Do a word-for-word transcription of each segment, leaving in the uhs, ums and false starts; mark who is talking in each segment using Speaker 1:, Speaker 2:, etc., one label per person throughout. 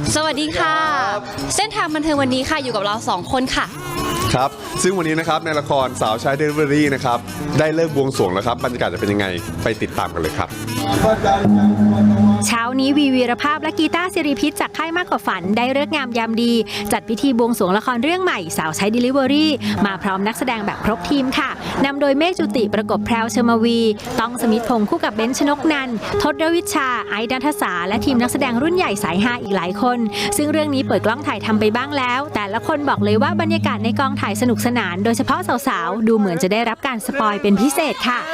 Speaker 1: สวัสดีค่ะเส้นทางบันเทิงวันนี้ค่ะอยู่กับเราสองคนค่ะ
Speaker 2: ครับซึ่งวันนี้นะครับในละครสาวใช้เดลิเวอรี่นะครับได้เลิกบวงสรวงแล้วครับบรรยากาศจะเป็นยังไงไปติดตามกันเลยครับ
Speaker 3: เช้านี้วีวีรภาพและกีตาร์สิริพิษจากค่ายมากกว่าฝันได้ฤกษ์งามยามดีจัดพิธีบวงสรวงละครเรื่องใหม่สาวใช้ Delivery มาพร้อมนักแสดงแบบครบทีมค่ะนำโดยเมฆจุติประกบแพรวเชอร์มาวีต้องสมิทธพงศ์คู่กับเบนชนกนันท์ทศรวิชชาไอซ์ดันทสาและทีมนักแสดงรุ่นใหญ่สายฮาอีกหลายคนซึ่งเรื่องนี้เปิดกล้องถ่ายทำไปบ้างแล้วแต่ละคนบอกเลยว่าบรรยากาศในกองถ่ายสนุกสนานโดยเฉพาะสาวๆดูเหมือนจะได้รับการสปอยเป็นพิเศษค่ะ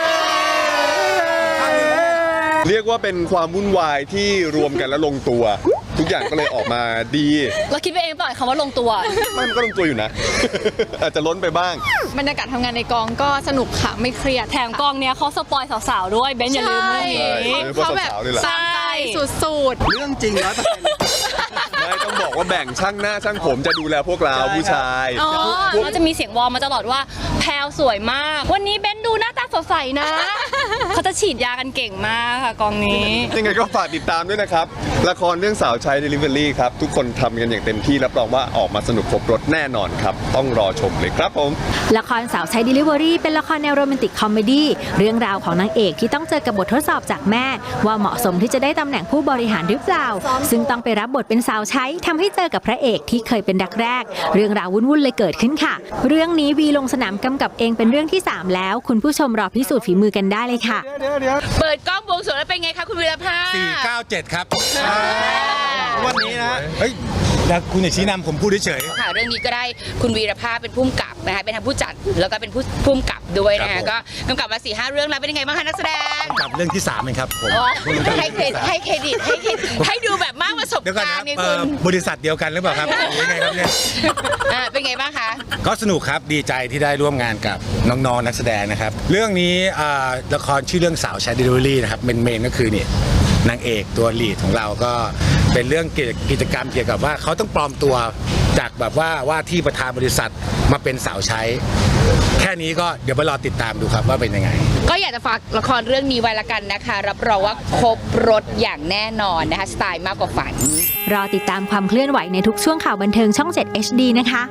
Speaker 2: เรียกว่าเป็นความวุ่นวายที่รวมกันแล้วลงตัวทุกอย่างก็เลยออกมาดี
Speaker 1: เราคิดไปเองเปล่าคำว่าลงตัว
Speaker 2: มันก็ลงตัวอยู่นะ อาจจะล้นไปบ้าง
Speaker 4: บรรยากาศทำงานในกองก็สนุกค่ะไม่เครียด
Speaker 1: แถมกองเนี้ยเขาสปอยสาวๆด้วยเบนอย่าลืมเลย
Speaker 4: เขาแบบใช่สุดๆ
Speaker 2: เรื่องจริงร้อยเปอร์เซ็นต์ไม่ต้องบอกว่าแบ่งช่างหน้าช่างผมจะดูแลพวกเราผู้ชาย
Speaker 1: อ๋อเราจะมีเสียงวอลมาตลอดว่าแพลวสวยมากวันนี้เบนดูหน้าตาสดใสนะเขาจะฉีดยากันเก่งมากค่ะกองนี้
Speaker 2: ยังไงก็ฝากติดตามด้วยนะครับละครเรื่องสาวใช้ Delivery ครับทุกคนทำกันอย่างเต็มที่รับรองว่าออกมาสนุกครบรถแน่นอนครับต้องรอชมเลยครับผม
Speaker 3: ละครสาวใช้ Delivery เป็นละครแนวโรแมนติกคอมเมดี้เรื่องราวของนางเอกที่ต้องเจอกับบททดสอบจากแม่ว่าเหมาะสมที่จะได้ตำแหน่งผู้บริหารหรือเปล่าซึ่งต้องไปรับบทเป็นสาวใช้ทำให้เจอกับพระเอกที่เคยเป็นรักแรกเรื่องราววุ่นๆเลยเกิดขึ้นค่ะเรื่องนี้วีลงสนามกำกับเองเป็นเรื่องที่สามแล้วคุณผู้ชมรอพิสูจน์ฝีมือกันได้เลยค่ะ
Speaker 1: เปิดกล้องบวงสรวงแล้วเป็นไงคะคุณวีรภาพ
Speaker 5: สี่เก้าเจ็ดครับวันนี้นะเฮ้ยแล้วคุณอย่าชี้นำผมพูดเฉย
Speaker 6: ค่ะเรื่องนี้ก็ได้คุณวีรภาพเป็นผู้กำกับนะคะเป็นทั้งผู้จัดแล้วก็เป็นผู้ผู้กำกับด้วยนะคะก็กำกับมาสี่ห้าเรื่องแล้วเป็นยังไงบ้างคะนักแสดง
Speaker 5: กำกับเรื่องที่สามเองครับผม
Speaker 6: ให้เครดิตให้เครดิตให้เครดิตให้ดูแบบมากประสบการณ์นี่คุณ
Speaker 5: บริษัทเดียวกันหรือเปล่าครับยังไงครับเนี่ย
Speaker 6: เป็นไงบ้างคะ
Speaker 5: ก็สนุกครับดีใจที่ได้ร่วมงานกับน้องๆนักแสดงนะครับเรื่องนี้ละครชื่อเรื่องสาวใช้ Delivery นะครับเมนเมนก็คือนี่นางเอกตัวลีดของเราก็เป็นเรื่องกิจกรรมเกี่ยวกับว่าเขาต้องปลอมตัวจากแบบว่าว่าที่ประธานบริษัทมาเป็นสาวใช้แค่นี้ก็เดี๋ยวไปรอติดตามดูครับว่าเป็นยังไง
Speaker 6: ก็อยากจะฝากละครเรื่องนี้ไว้ละกันนะคะรับรองว่าครบรถอย่างแน่นอนนะคะสไตล์มากกว่าฝัน
Speaker 3: รอติดตามความเคลื่อนไหวในทุกช่วงข่าวบันเทิงช่อง เจ็ด เอช ดี นะคะ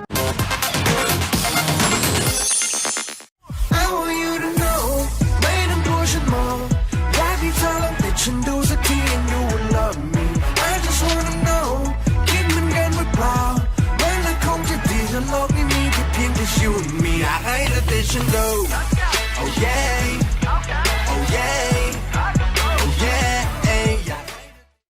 Speaker 7: ฉันดูสักที and you will love me I just wanna know คิดเหมือนกันหรือเปล่าเมื่อไรคงจะดีถ้าโลกนี้มีแค่เพียงแต่ you and me อยากให้เธอติดฉันดู oh yeah